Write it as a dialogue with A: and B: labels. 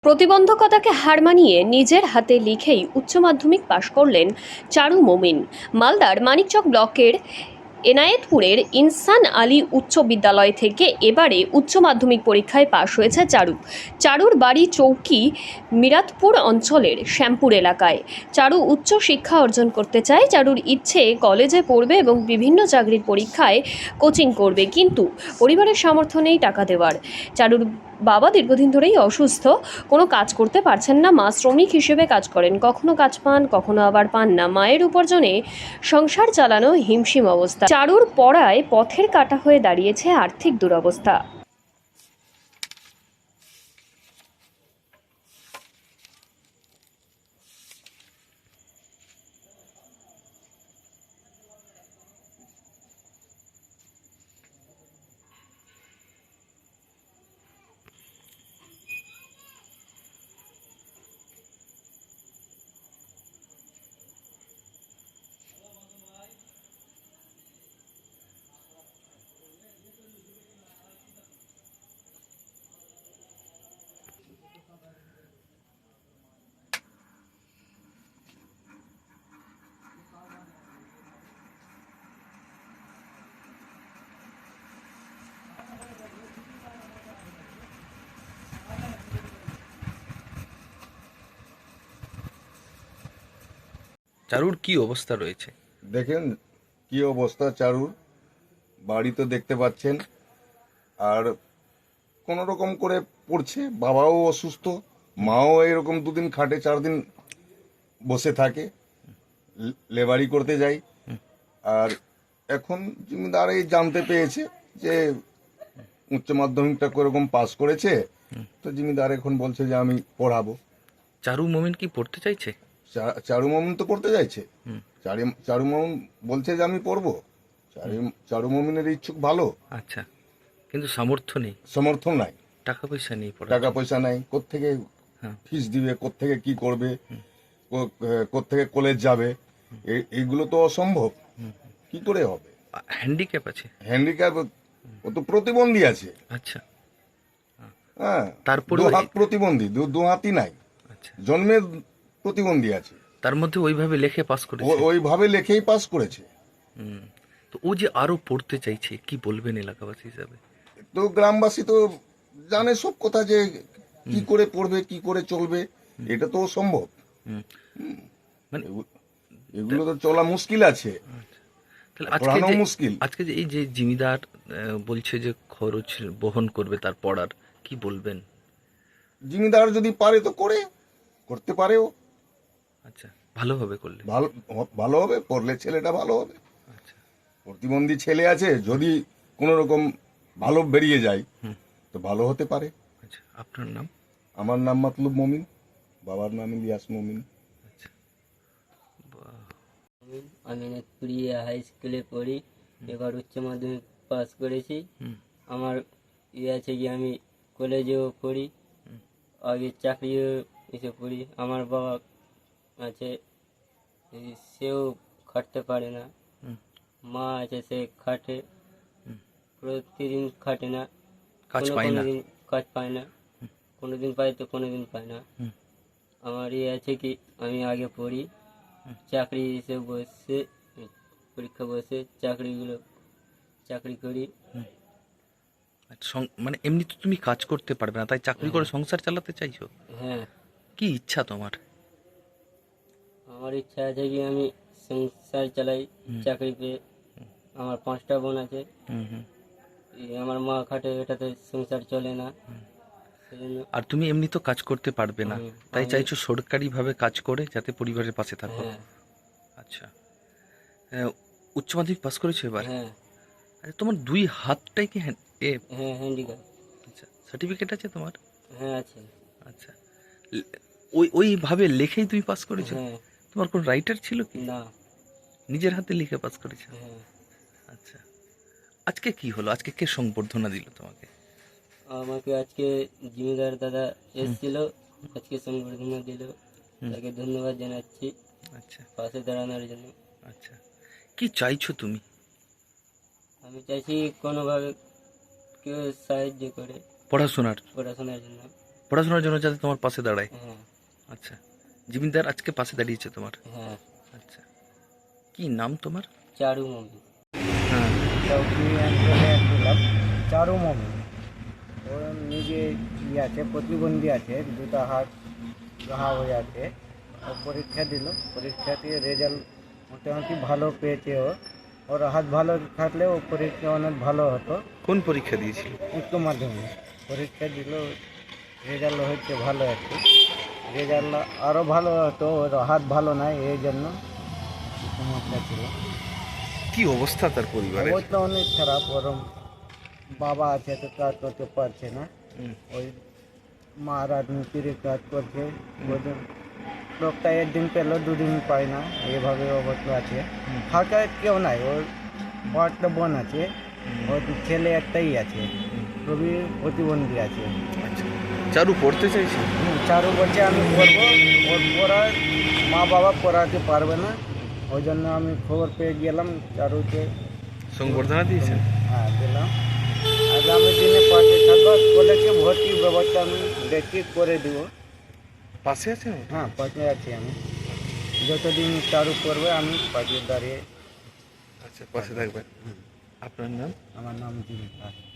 A: প্রতিবন্ধকতাকে হার মানিয়ে নিজের হাতে লিখেই উচ্চ মাধ্যমিক পাশ করলেন চারু মমিন। মালদার মানিকচক ব্লকের এনায়েতপুরের ইনসান আলী উচ্চ বিদ্যালয় থেকে এবারে উচ্চ মাধ্যমিক পরীক্ষায় পাশ হয়েছে চারুর বাড়ি চৌকি মিরাতপুর অঞ্চলের শ্যামপুর এলাকায়। চারু উচ্চ শিক্ষা অর্জন করতে চায়। চারুর ইচ্ছে কলেজে পড়বে এবং বিভিন্ন চাকরির পরীক্ষায় কোচিং করবে, কিন্তু পরিবারের সামর্থ্য নেই টাকা দেওয়ার। চারুর বাবা দীর্ঘদিন ধরেই অসুস্থ, কোনো কাজ করতে পারছেন না। মা শ্রমিক হিসেবে কাজ করেন, কখনো কাজ পান, কখনো আবার পান না। মায়ের উপার্জনে সংসার চালানো হিমশিম অবস্থা। চারুর পড়ায় পথের কাঁটা হয়ে দাঁড়িয়েছে আর্থিক দুরবস্থা।
B: চারুর কি অবস্থা রয়েছে?
C: দেখেন কি অবস্থা চারুর, বাড়ি তো দেখতে পাচ্ছেন। আর কোন রকম করে পড়ছে, বাবাও অসুস্থ, মাও এরকম 2 দিন খাটে, 4 দিন বসে থাকে, লেবারি করতে যাই। আর এখন জমিদার এই জানতে পেয়েছে যে উচ্চ মাধ্যমিকটা কোরকম পাস করেছে, তো জমিদার এখন বলছে যে আমি পড়াবো।
B: চারু মমিন কি পড়তে চাইছে?
C: চারু মামুন তো পড়তে চাইছে। চারু মামুন বলছে যে আমি পড়বো। চারু মামুনের ইচ্ছুক ভালো,
B: আচ্ছা, কিন্তু সামর্থ্য নেই,
C: সমর্থন নাই,
B: টাকা পয়সা নেই
C: টাকা পয়সা নাই, কোত্থেকে
B: হ্যাঁ।
C: ফিস দিবে, কোত্থেকে কি করবে, কোত্থেকে কলেজ যাবে, এইগুলো তো অসম্ভব। কি করে হবে?
B: হ্যান্ডিক্যাপ আছে?
C: হ্যান্ডিক্যাপ, ও তো প্রতিবন্ধী আছে।
B: আচ্ছা,
C: হ্যাঁ,
B: তারপরে
C: 2 হাত প্রতিবন্ধী, 2 হাতই নাই,
B: আচ্ছা,
C: জন্মের প্রতিবন্ধী আছে।
B: তার মধ্যে ওইভাবে লেখে পাস করেছে।
C: ওইভাবে লেখেই পাস করেছে।
B: হুম। তো ও যে আরো পড়তে চাইছে, কি বলবেন এলাকাবাসী হিসাবে?
C: তো গ্রামবাসী তো জানে সব কথা, যে কি করে পড়বে, কি করে চলবে, এটা তো সম্ভব।
B: হুম। মানে
C: এগুলো তো চলা মুশকিল আছে,
B: তাহলে
C: পড়ানো মুশকিল।
B: আজকে যে এই যে জিমিদার বলছে যে খরচ বহন করবে তার পড়ার, কি বলবেন?
C: জমিদার যদি পারে তো করতে পারেও।
B: আচ্ছা, ভালোভাবে করলে
C: ভালো ভালো হবে, পড়লে ছেলেটা ভালো হবে।
B: আচ্ছা,
C: প্রতিবন্ধী ছেলে আছে, যদি কোনো রকম ভালো বেরিয়ে যায় তো ভালো হতে পারে।
B: আচ্ছা, আপনার নাম?
C: আমার নাম মাতলুব মমিন, বাবার নাম ইলিয়াস মমিন।
B: আচ্ছা,
D: আমি নেতপুরিয়া হাই স্কুলে পড়ি, এবার উচ্চ মাধ্যমিক পাস করেছি। আমার আছে কি আমি কলেজেও পড়ি, আগে চাকরিও এসে পড়ি। আমার বাবা আছে, সেও খাটতে পারে না। মা আছে, সে খাটে, প্রতিদিন খাটে না,
B: কাজ
D: কোনো
B: পায়
D: কোনো
B: না।
D: দিন কাজ পায় না, কোনো দিন পায় তো কোনো দিন পায় না। আমার আছে কি আমি আগে পড়ি, চাকরি এসে বসে, পরীক্ষা বসে চাকরি করি।
B: আচ্ছা, মানে এমনি তো তুমি কাজ করতে পারবে না, তাই চাকরি করে সংসার চালাতে চাইছো?
D: হ্যাঁ,
B: কি ইচ্ছা তোমার?
D: আমার ইচ্ছা আছে কি আমি সংসার চালাই চাকরি পেয়ে। আমার 5টা বোন আছে,
B: হুম হুম।
D: আমার মা খাটে, এটাতে সংসার চলে না, সেজন্য।
B: আর তুমি এমনি তো কাজ করতে পারবে না, তাই চাইছো সরকারিভাবে কাজ করে যাতে পরিবারের পাশে থাকো।
D: হ্যাঁ,
B: আচ্ছা, উচ্চ মাধ্যমিক পাস করেছো এবার?
D: হ্যাঁ,
B: আচ্ছা, তোমার 2 হাতটাই কি
D: হ্যাঁ, হ্যান্ডিক্যাপ।
B: আচ্ছা, সার্টিফিকেট আছে তোমার?
D: হ্যাঁ, আছে।
B: আচ্ছা, ওইভাবে লেখেই তুমি পাস করেছো?
D: হ্যাঁ।
B: তোমার কোন রাইটার ছিল কি?
D: না।
B: নিজের হাতে লিখে পাস করেছো?
D: হ্যাঁ।
B: আচ্ছা, আজকে কি হলো? আজকে কে সংবর্ধনা দিল তোমাকে?
D: আমাকে আজকে জমিদার দাদা এসেছিল, আজকে সংবর্ধনা দিল, তাকে ধন্যবাদ জানাচ্ছি
B: আচ্ছা,
D: পাশে দাঁড়ানোর জন্য।
B: আচ্ছা, কি চাইছো তুমি?
D: আমি চাইছি কোনোভাবে কেউ সাহায্য করে
B: পড়াশোনার
D: পড়াশোনার জন্য।
B: পড়াশোনার জন্য যাতে তোমার পাশে দাঁড়ায়।
D: হ্যাঁ
B: আচ্ছা, জিমিনদার আজকে পাশে দাঁড়িয়েছে তোমার।
D: হ্যাঁ।
B: আচ্ছা, কি নাম তোমার?
D: চারু মমি।
B: হ্যাঁ,
E: চৌকি অঞ্চলে ছিলাম চারু মমি। ও নিজে আছে, প্রতিবন্ধী আছে, দুটো হাত ঘা হয়ে আছে। ও পরীক্ষা দিল, পরীক্ষা দিয়ে রেজাল্ট মোটামুটি ভালো পেয়েছে। ওর হাত ভালো থাকলে ও পরীক্ষা অনেক ভালো হতো।
B: কোন পরীক্ষা দিয়েছিল?
E: উচ্চ মাধ্যমিক পরীক্ষা দিল, রেজাল্ট হচ্ছে ভালো একটু। রেজাল্ট আরও ভালো হতো, ওর হাত ভালো নাই, এই জন্য সমস্যা ছিল।
B: কি অবস্থা তার পরিবারের?
E: অবস্থা অনেক খারাপ। ওর বাবা আছে তো কাজ করতে পারছে না,
B: হুম।
E: ওই মা রাজনীতির কাজ করছে। ওদের লোকটা একদিন পেলো, দুদিন পায় না, এইভাবে অবস্থা আছে। ফাঁকা কেউ নাই, ওর একটা বোন আছে, ওর ছেলে একটাই আছে, খুবই প্রতিবন্ধী আছে।
B: আচ্ছা, চারু পড়তে চাইছে?
E: চারু বলছে আমি পড়বো, ওর পড়ার মা বাবা পড়াতে পারবে না, ওই জন্য আমি খবর পেয়ে গেলাম চারুকে।
B: সংবর্ধনা দিয়েছেন?
E: হ্যাঁ দিলাম। আগামী দিনে পাশে থাকবো, কলেজে ভর্তির ব্যবস্থা আমি দেখি করে দিব।
B: পাশে আছেন?
E: হ্যাঁ পাশে আছি আমি, যতদিন চালু করবে আমি পাশে দাঁড়িয়ে।
B: আচ্ছা, পাশে থাকবেন। আপনার নাম?
E: আমার নাম জীবিকা।